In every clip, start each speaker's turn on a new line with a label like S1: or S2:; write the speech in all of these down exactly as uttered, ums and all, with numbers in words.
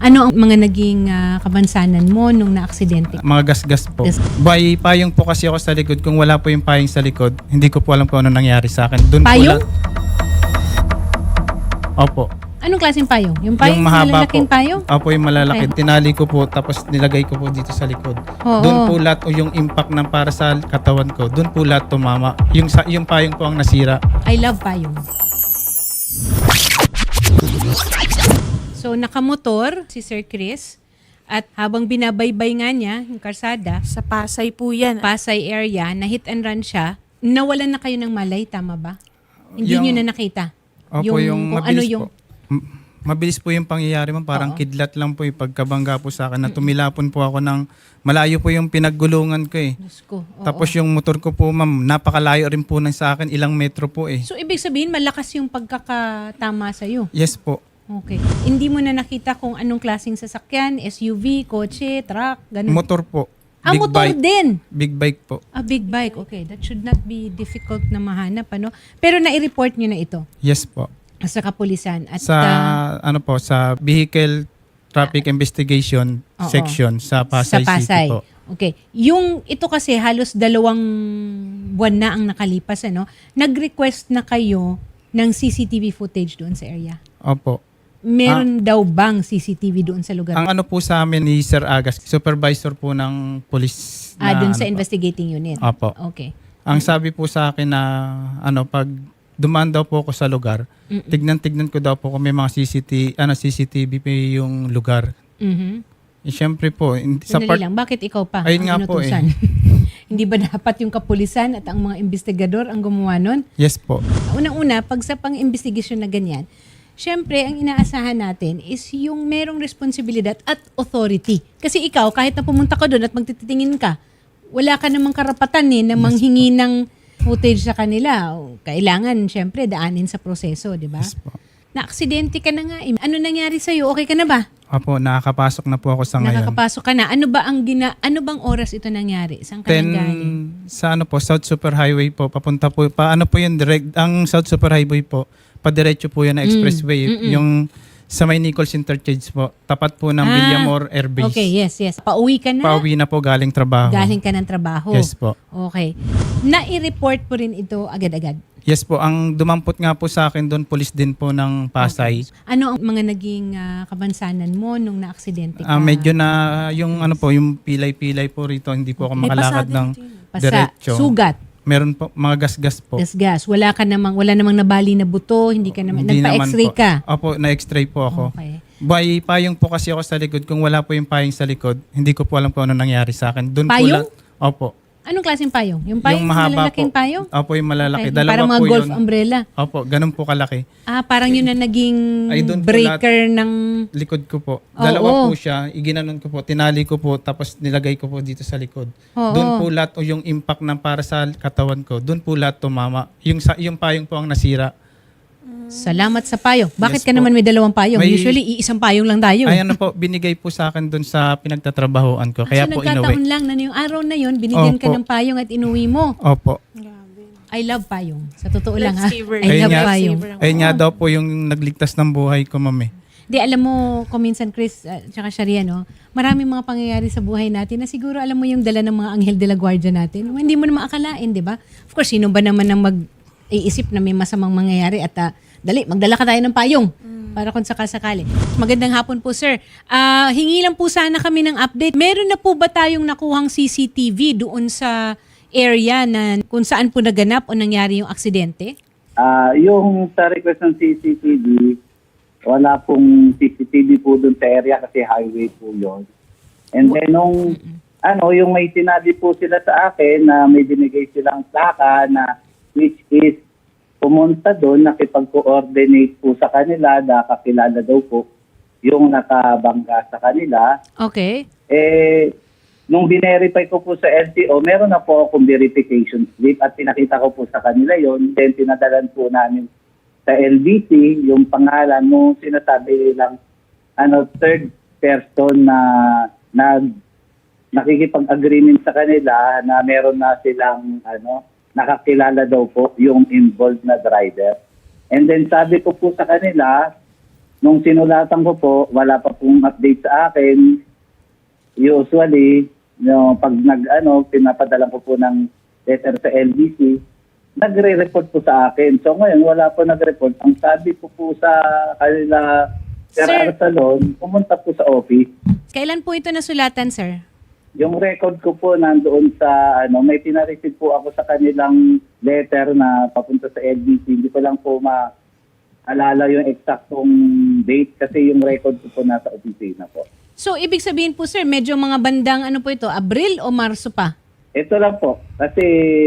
S1: Ano ang mga naging ah, kabansanan mo nung naaksidente?
S2: Mga gasgas po.
S1: Gas-
S2: By payong po kasi ako sa likod. Kung wala po yung payong sa likod, hindi ko po alam kung ano nangyari sa akin. Doon
S1: Payong?
S2: po lang. Opo.
S1: Anong klaseng payong? Yung payong,
S2: yung mahaba
S1: malalaking
S2: po.
S1: payong?
S2: Opo, yung malalaki.
S1: Okay.
S2: Tinali ko po tapos nilagay ko po dito sa likod.
S1: Oo.
S2: Doon po lahat o yung impact ng para sa katawan ko. Doon po lahat tumama. Yung sa yung payong po ang nasira.
S1: I love payong. So, nakamotor si Sir Chris at habang binabaybay nga niya yung karsada,
S3: Sa Pasay po yan.
S1: Pasay area, na hit and run siya, nawalan na kayo ng malay, tama ba? Hindi
S2: Yung-
S1: nyo na nakita?
S2: Opo, yung,
S1: kung
S2: mabilis
S1: ano yung,
S2: po. M- Mabilis po yung pangyayari man. Parang
S1: Oo.
S2: kidlat lang po yung pagkabangga po sa akin. Na tumilapon po ako ng malayo po yung pinaggulungan ko eh.
S1: Diyos ko, oo.
S2: Tapos yung motor ko po ma'am, napakalayo rin po ng sa akin. Ilang metro po eh.
S1: So, ibig sabihin, malakas yung pagkakatama sa'yo.
S2: Yes po.
S1: Okay. Hindi mo na nakita kung anong klaseng sasakyan, S U V, kotse, truck, ganun.
S2: Motor po.
S1: ah,
S2: Big
S1: motor
S2: bike.
S1: din.
S2: Big bike po.
S1: A big bike. Okay, that should not be difficult na mahanap, ano? Pero nai-report nyo na ito
S2: Yes po.
S1: sa kapulisan. At
S2: Sa
S1: ah,
S2: ano po, sa Vehicle Traffic Investigation
S1: Oo.
S2: Section sa Pasay,
S1: sa Pasay.
S2: City po.
S1: Okay. Yung ito kasi halos dalawang buwan na ang nakalipas, ano? Nag-request na kayo ng C C T V footage doon sa area.
S2: Opo.
S1: Meron daw bang C C T V doon sa lugar?
S2: Ang ano po sa amin ni Sir Agas, supervisor po ng police.
S1: ah,
S2: na
S1: doon sa
S2: ano po.
S1: investigating unit.
S2: Opo.
S1: Okay.
S2: Ang sabi po sa akin na ano pag dumaan daw po ako sa lugar,
S1: Mm-mm.
S2: tignan-tignan ko daw po kung may mga C C T V, ano C C T V pa yung lugar.
S1: Mhm.
S2: Eh, syempre po, in- sa
S1: Sandali
S2: part,
S1: lang, bakit ikaw pa?
S2: Ayun
S1: ang
S2: nga po
S1: inutusan? Hindi ba dapat yung kapulisan at ang mga investigador ang gumawa nun?
S2: yes po.
S1: Unang-una, pag sa pang-investigasyon na ganyan, syempre, ang inaasahan natin is yung merong responsibilidad at authority. Kasi ikaw, kahit na pumunta ka doon at magtititingin ka, wala ka namang karapatan eh na manghingi ng footage sa kanila. Kailangan, syempre, daanin sa proseso, di ba?
S2: Yes po.
S1: Na-aksidente ka na nga. eh. Ano nangyari sa'yo? Okay ka na ba?
S2: Opo, nakakapasok na po ako sa ngayon.
S1: Nakakapasok ka na. Ano ba ang gina ano bang oras ito nangyari? Saan ka
S2: Then,
S1: nanggaling?
S2: sa ano po, South Super Highway po, papunta po, pa ano po yun, direct, ang South Super Highway po, padiretso po yan na expressway,
S1: Mm, mm-mm.
S2: yung sa may Nichols Interchange po, tapat po ng
S1: Ah,
S2: Villamor Air Base.
S1: Okay, yes, yes. Pauwi ka na?
S2: Pauwi na po galing trabaho.
S1: Galing ka ng trabaho?
S2: Yes po.
S1: Okay. Nai-report po rin ito agad-agad?
S2: Yes po, ang dumampot nga po sa akin doon, police din po ng Pasay.
S1: Ano ang mga naging ah, kabansanan mo nung naaksidente ka?
S2: Ah, medyo na yung ano po, yung pilay-pilay po rito, hindi po ako
S3: May
S2: makalakad
S3: pasada
S2: ng
S3: dito yun.
S1: Pasa,
S2: diretso.
S1: sugat,
S2: Meron po mga gas-gas po.
S1: gasgas. Wala ka namang, wala namang nabali na buto, hindi ka naman,
S2: Hindi naman
S1: nagpa-x-ray
S2: po.
S1: ka?
S2: Opo, na-x-ray po ako.
S1: Okay.
S2: By payong po kasi ako sa likod. Kung wala po yung payong sa likod, hindi ko po alam kung ano nangyari sa akin. Doon
S1: Payong?
S2: po la- Opo.
S1: Anong klaseng payong? Yung payong,
S2: yung mahaba
S1: malalaking
S2: po.
S1: payong?
S2: Opo, yung malalaki.
S1: Okay.
S2: Dalawa
S1: Parang mga
S2: po
S1: golf
S2: yun.
S1: umbrella.
S2: Opo, ganun po kalaki.
S1: Ah, parang yun na naging
S2: Ay, doon po
S1: breaker ng...
S2: Likod ko po.
S1: Oo.
S2: Dalawa po siya. Iginanon ko po. Tinali ko po. Tapos nilagay ko po dito sa likod.
S1: Oo.
S2: Doon po lahat o yung impact ng para sa katawan ko. Doon po lahat tumama. Yung, sa, yung payong po ang nasira.
S1: Salamat sa payong. Bakit
S2: Yes
S1: ka
S2: po.
S1: naman may dalawang payong?
S2: May-
S1: Usually, iisang payong lang tayo.
S2: Ay ano po, binigay po sa akin doon sa pinagtatrabahoan ko. Kaya
S1: so,
S2: po
S1: nagkataon
S2: inuwi.
S1: lang na yung araw na yun, binigyan ka
S2: Opo.
S1: ng payong at inuwi mo.
S2: Opo.
S3: Grabe.
S1: I love payong. Sa totoo lang ha.
S3: Lifesaver.
S1: I love
S2: nga.
S1: payong.
S3: Lifesaver.
S2: Ayun nga daw po yung nagligtas ng buhay ko, ma'am eh.
S1: Di, alam mo, kuminsan Chris, at saka Sharia, no? Maraming mga pangyayari sa buhay natin na siguro alam mo yung dala ng mga anghel de la guardia natin. Hindi mo na maakalain, di ba? Of course, sino ba naman ang mag-iisip na may masamang mangyayari at ah, dali, magdala ka tayo ng payong. Para kung sakasakali. Magandang hapon po, sir. Ah, hingi lang po sana kami ng update. Meron na po ba tayong nakuhang C C T V doon sa area na kung saan po naganap o nangyari yung aksidente?
S4: Ah, yung sa request ng C C T V, wala pong C C T V po dun sa area kasi highway po yun. And then nung, ano, yung may sinabi po sila sa akin na may binigay silang plaka na which is pumunta doon, nakipag-coordinate po sa kanila, nakakilala daw po yung nakabangga sa kanila.
S1: Okay.
S4: Eh, nung binerify ko po sa L T O, meron na po akong verification slip at pinakita ko po sa kanila yon. Then pinadalan po namin sa L B C yung pangalan nung sinasabi lang ano, third person na nag nakikipag-agreement sa kanila na meron na silang ano, nakakilala daw po yung involved na driver. And then sabi ko po sa kanila, nung sinulatan ko po, wala pa pong update sa akin. Usually, no, pag nag, ano, pinapadala ko po ng letter sa L B C, nagre-report po sa akin. So ngayon, wala po nag-report. Ang sabi po po sa kanila, Sir
S1: Sir-
S4: Arsalon, pumunta po sa office.
S1: Kailan po ito nasulatan, sir?
S4: Yung record ko po nandoon sa, ano, may pinareceive po ako sa kanilang letter na papunta sa L B C. Hindi ko lang po maalala yung eksaktong date kasi yung record ko po nasa opisina po.
S1: So, ibig sabihin po, sir, medyo mga bandang ano po ito, Abril o Marso pa?
S4: Ito lang po. Kasi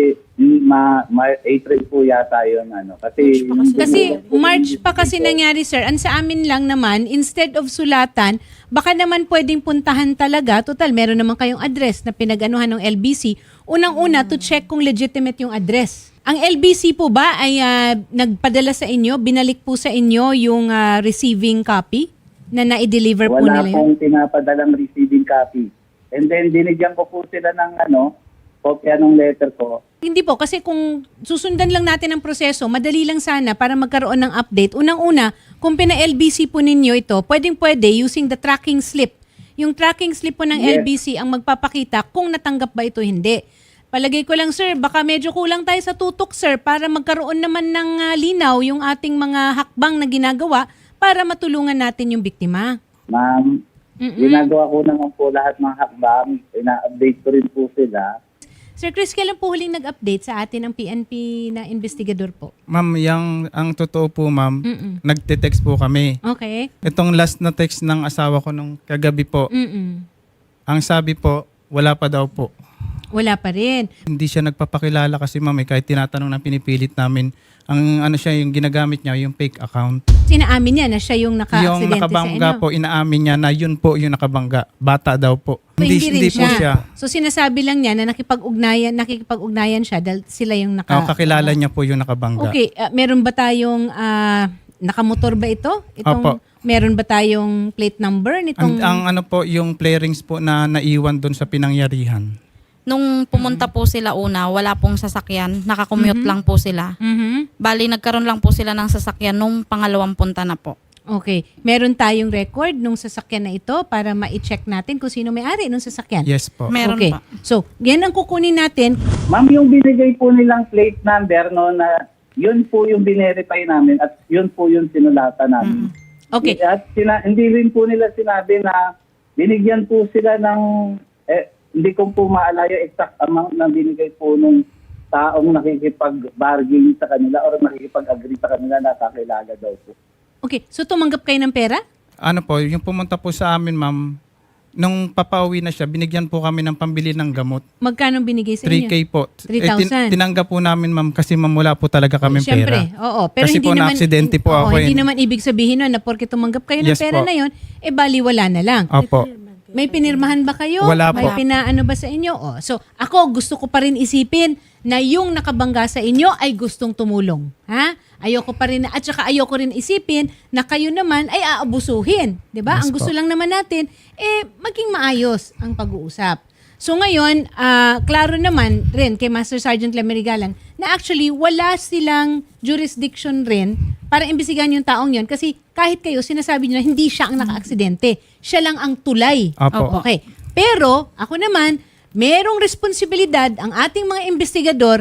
S4: ma, ma April po yata yun. Ano, kasi,
S1: Kasi March pa kasi nangyari, sir. Ang sa amin lang naman, instead of sulatan, baka naman pwedeng puntahan talaga. Total, meron naman kayong address na pinag-anuhan ng L B C. Unang-una, to check kung legitimate yung address. Ang L B C po ba ay ah, nagpadala sa inyo, binalik po sa inyo yung ah, receiving copy na na-deliver po
S4: wala
S1: nila yun?
S4: pong pinapadalang receiving copy. And then, dinigyan ko po sila ng ano, kopya ng letter ko.
S1: Hindi po, kasi kung susundan lang natin ang proseso, madali lang sana para magkaroon ng update. Unang-una, kung pina-L B C po ninyo ito, pwedeng-pwede using the tracking slip. Yung tracking slip po ng
S4: Yes.
S1: L B C ang magpapakita kung natanggap ba ito hindi. Palagay ko lang, sir, baka medyo kulang tayo sa tutok, sir, para magkaroon naman ng ah, linaw yung ating mga hakbang na ginagawa para matulungan natin yung biktima.
S4: Ma'am,
S1: Mm-mm.
S4: ginagawa ko naman po lahat ng hakbang. Ina-update ko rin po sila.
S1: Sir Chris, kailan po huling nag-update sa atin ang P N P na investigador po?
S2: Ma'am, yung, ang totoo po ma'am,
S1: Mm-mm.
S2: nagte-text po kami.
S1: Okay.
S2: Itong last na text ng asawa ko nung kagabi po,
S1: Mm-mm.
S2: ang sabi po, wala pa daw po.
S1: Wala pa rin.
S2: Hindi siya nagpapakilala kasi ma'am, eh, kahit tinatanong na pinipilit namin, ang ano siya, yung ginagamit niya, yung fake account.
S1: Sinaamin niya na siya yung
S2: Yung
S1: naka-aksidente sa
S2: nakabangga
S1: inyo.
S2: po, inaamin niya na yun po yung nakabangga. Bata daw po.
S1: So, hindi, rin
S2: hindi po siya.
S1: So sinasabi lang niya na nakipag-ugnayan, nakikipag-ugnayan siya dahil sila yung naka...
S2: Oh, kakilala niya po yung nakabangga.
S1: Okay, ah, meron ba tayong ah, nakamotor ba ito? Itong
S2: Opo.
S1: meron ba tayong plate number
S2: Ang,
S1: nitong
S2: ang ano po, yung play rings po na naiwan doon sa pinangyarihan.
S3: Nung pumunta po sila una, wala pong sasakyan. Nakakommute lang po sila.
S1: Mhm.
S3: Bali, nagkaroon lang po sila ng sasakyan nung pangalawang punta na po.
S1: Okay, meron tayong record nung sasakyan na ito para ma-check natin kung sino may-ari nung sasakyan.
S2: Yes po.
S3: Meron
S1: okay.
S3: pa.
S1: So, yan ang kukunin natin.
S4: Ma'am, yung binigay po nilang plate number, no, na yun po yung binerify namin at yun po yung sinulatan namin.
S1: Okay.
S4: At sina- hindi rin po nila sinabi na binigyan po sila ng, eh, hindi ko po maalala yung exact amount na binigay po nung taong nakikipag-bargain sa kanila or nakikipag-agree sa kanila na kakilala daw po.
S1: Okay, so tumanggap kayo ng pera?
S2: Ano po, yung pumunta po sa amin ma'am, nung papauwi na siya, binigyan po kami ng pambili ng gamot.
S1: Magkano binigay sa
S2: three K
S1: inyo?
S2: po.
S1: three
S2: Eh, tin-
S1: thousand.
S2: tinanggap po namin ma'am kasi ma'am wala po talaga kami
S1: Siyempre,
S2: pera.
S1: oo. Pero
S2: Kasi
S1: hindi
S2: po
S1: naman,
S2: na-aksidente po
S1: oo,
S2: ako,
S1: Hindi
S2: eh.
S1: naman ibig sabihin nun na porke tumanggap kayo ng
S2: Yes
S1: pera
S2: po.
S1: na yon, eh bali wala na lang.
S2: Opo.
S1: May pinirmahan ba kayo?
S2: Wala
S1: May
S2: po.
S1: pinaano ba sa inyo? Oh, so, ako gusto ko pa rin isipin na yung nakabangga sa inyo ay gustong tumulong. Ha? Ayoko pa rin, at saka ayoko rin isipin na kayo naman ay aabusuhin. 'Di ba?
S2: Yes
S1: Ang gusto
S2: po.
S1: lang naman natin, eh, maging maayos ang pag-uusap. So ngayon, ah, klaro naman rin kay Master Sergeant Lemerigalan na actually wala silang jurisdiction rin para imbestigahan yung taong yon kasi kahit kayo, sinasabi nyo na hindi siya ang naka-aksidente. Siya lang ang tulay.
S2: Opo.
S1: Okay. Pero, ako naman, merong responsibilidad ang ating mga investigador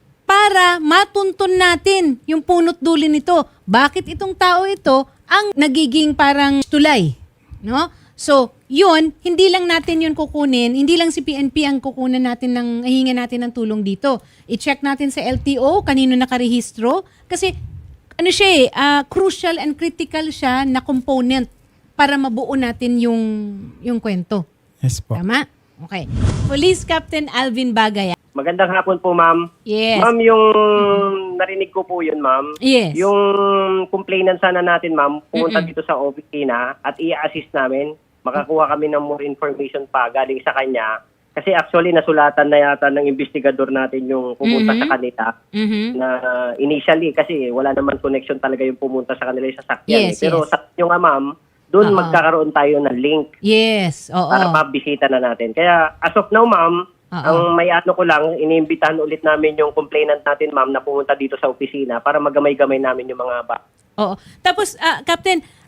S1: para matuntun natin yung punot dulo nito. Bakit itong tao ito ang nagiging parang tulay? No? So, yun, hindi lang natin yun kukunin, hindi lang si P N P ang kukunan natin ng, hihinga natin ng tulong dito. I-check natin sa L T O, kanino nakarehistro, kasi ano siya eh, ah, crucial and critical siya na component para mabuo natin yung, yung kwento.
S2: Yes po.
S1: Tama? Okay. Police Captain Alvin Bagay.
S5: Magandang hapon po, ma'am.
S1: Yes.
S5: Ma'am, yung narinig ko po yun, ma'am.
S1: Yes.
S5: Yung complainant sana natin, ma'am, pumunta
S1: Mm-mm.
S5: dito sa opisina at i-assist namin. Makakuha kami ng more information pa galing sa kanya. Kasi actually, nasulatan na yata ng investigador natin yung pumunta
S1: Mhm.
S5: sa kanila.
S1: Mhm.
S5: Na initially, kasi wala naman connection talaga yung pumunta sa kanila yung sasakyan.
S1: Yes,
S5: eh. Pero
S1: yes.
S5: sa inyo nga, ma'am, doon
S1: Oo.
S5: magkakaroon tayo ng link
S1: Yes. Oo.
S5: para mabisita na natin. Kaya as of now, ma'am,
S1: Oo.
S5: ang may ano ko lang, iniimbitahan ulit namin yung complainant natin, ma'am, na pumunta dito sa opisina para magamay-gamay namin yung mga ba.
S1: Oo. Tapos, ah, Captain,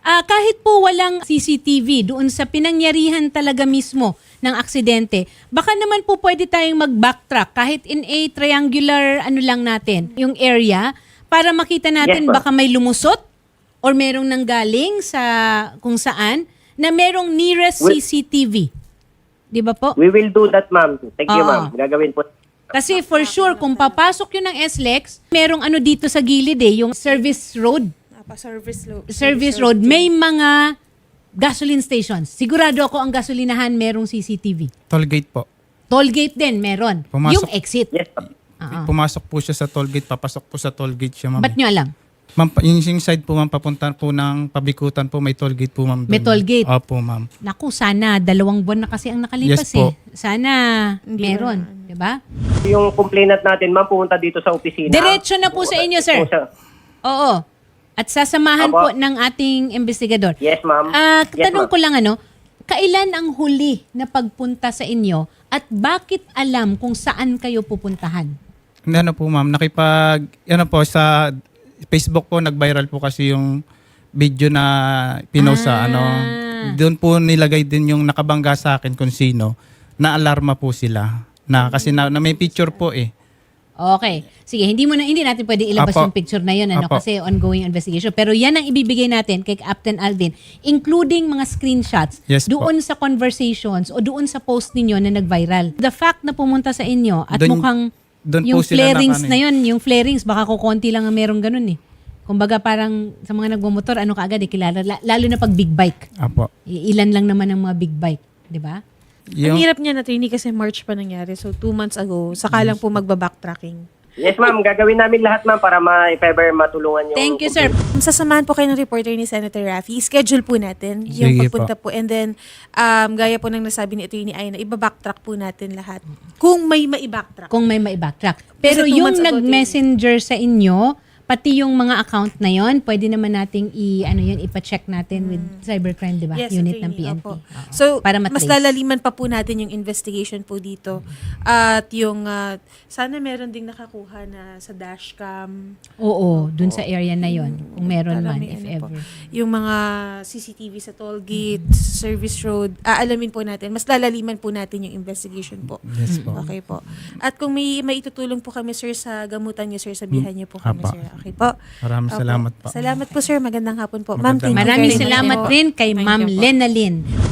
S1: Ah, kahit po walang C C T V doon sa pinangyarihan talaga mismo ng aksidente, baka naman po pwede tayong mag-backtrack kahit in a triangular ano lang natin, yung area, para makita natin
S5: Yes, ma'am.
S1: baka may lumusot or merong nanggaling sa kung saan na merong nearest
S5: Well-
S1: C C T V. Di ba po?
S5: We will do that, ma'am. Thank you,
S1: Oo.
S5: ma'am. Gagawin po.
S1: Kasi for sure, kung papasok yun ng S L E X, merong ano dito sa gilid eh, yung service road.
S6: Service, lo-
S1: Service road, may mga gasoline stations. Sigurado ako ang gasolinahan merong C C T V.
S2: Tollgate po.
S1: Tollgate din meron.
S2: Pumasok.
S1: Yung exit.
S5: Yes, ma'am.
S1: Oo.
S2: Pumasok po siya sa tollgate, papasok po sa tollgate siya, ma'am.
S1: Ba't nyo alam?
S2: Ma'am, pa- yung, yung side po, ma'am, papunta po ng Pabikutan po, may tollgate po, ma'am.
S1: May
S2: doon.
S1: tollgate?
S2: Opo, ma'am.
S1: Naku, sana dalawang buwan na kasi ang nakalipas
S2: Yes po.
S1: eh. Sana meron. Di ba?
S5: Yung complainant natin, ma'am, pumunta dito sa opisina.
S1: Diretso na po sa inyo, sir.
S5: Po sa-
S1: Oo. At sasamahan
S5: Apo.
S1: po ng ating investigador.
S5: Yes, ma'am.
S1: Ah,
S5: Yes,
S1: tanong
S5: ma'am.
S1: ko lang ano, kailan ang huli na pagpunta sa inyo at bakit alam kung saan kayo pupuntahan?
S2: Hindi, ano po, ma'am, nakipag, ano po, sa Facebook po, nag-viral po kasi yung video na pinost sa,
S1: Ah.
S2: ano, doon po nilagay din yung nakabangga sa akin kung sino, na alarma po sila. Na, kasi na, na may picture po eh.
S1: Okay. Sige, hindi mo na hindi natin pwedeng ilabas
S2: Apo.
S1: yung picture na 'yon ano
S2: Apo.
S1: kasi ongoing investigation. Pero 'yan ang ibibigay natin kay Captain Alvin, including mga screenshots
S2: Yes po.
S1: doon sa conversations o doon sa post ninyo na nag-viral. The fact na pumunta sa inyo at
S2: Doon-
S1: mukhang
S2: doon po
S1: yung
S2: sila
S1: flarings
S2: naka-
S1: na 'yon, yung flarings baka kukonti lang ang merong ganun eh. Kumbaga parang sa mga nagmomotor ano kaagad eh kilala la- lalo na pag big bike.
S2: Apo.
S1: I- Ilan lang naman ang mga big bike, 'di ba?
S6: Ang hirap niya na attorney kasi March pa nangyari. So, two months ago, saka lang po magbabacktracking.
S5: Yes, ma'am. Gagawin namin lahat, ma'am, para ma if ever matulungan yung...
S1: Thank you, sir.
S6: Sasamahan po kayo ng reporter ni Senator Raffy. Schedule po natin yung
S2: Sige
S6: pagpunta po. And then, um, gaya po ng nasabi ni Attorney Ay na ibabacktrack po natin lahat. Kung may maibacktrack.
S1: Kung may maibacktrack. Pero
S6: Kasi two
S1: yung
S6: months ago,
S1: nag-messenger sa inyo, pati yung mga account na yon, pwede naman nating i ano yun, ipa-check natin with cybercrime, 'di ba?
S6: Yes,
S1: Unit ng
S6: attorney,
S1: P N P.
S6: opo.
S1: Oo.
S6: So,
S1: Para
S6: mas
S1: matrace.
S6: lalaliman pa po natin yung investigation po dito. At yung, ah, sana meron ding nakakuha na sa dashcam.
S1: Oo, dun sa area na yon, kung meron
S6: Para
S1: man
S6: may
S1: if
S6: ano po.
S1: ever.
S6: Yung mga C C T V sa toll gate, service road, aalamin po natin. Mas lalaliman po natin yung investigation po.
S2: Yes po.
S6: Okay po. At kung may maitutulong po kami, sir, sa gamutan niyo, sir, sabihan niyo po kami,
S2: Apa.
S6: sir. Okay po.
S2: Maraming
S6: Opo.
S2: salamat po.
S6: Salamat po, sir. Magandang hapon po. Ma'am,
S2: Magandang
S6: thank you
S1: Maraming
S6: very much
S1: salamat
S6: po.
S1: rin kay
S3: Thank
S1: Ma'am
S3: you po.
S1: Lena Lynn.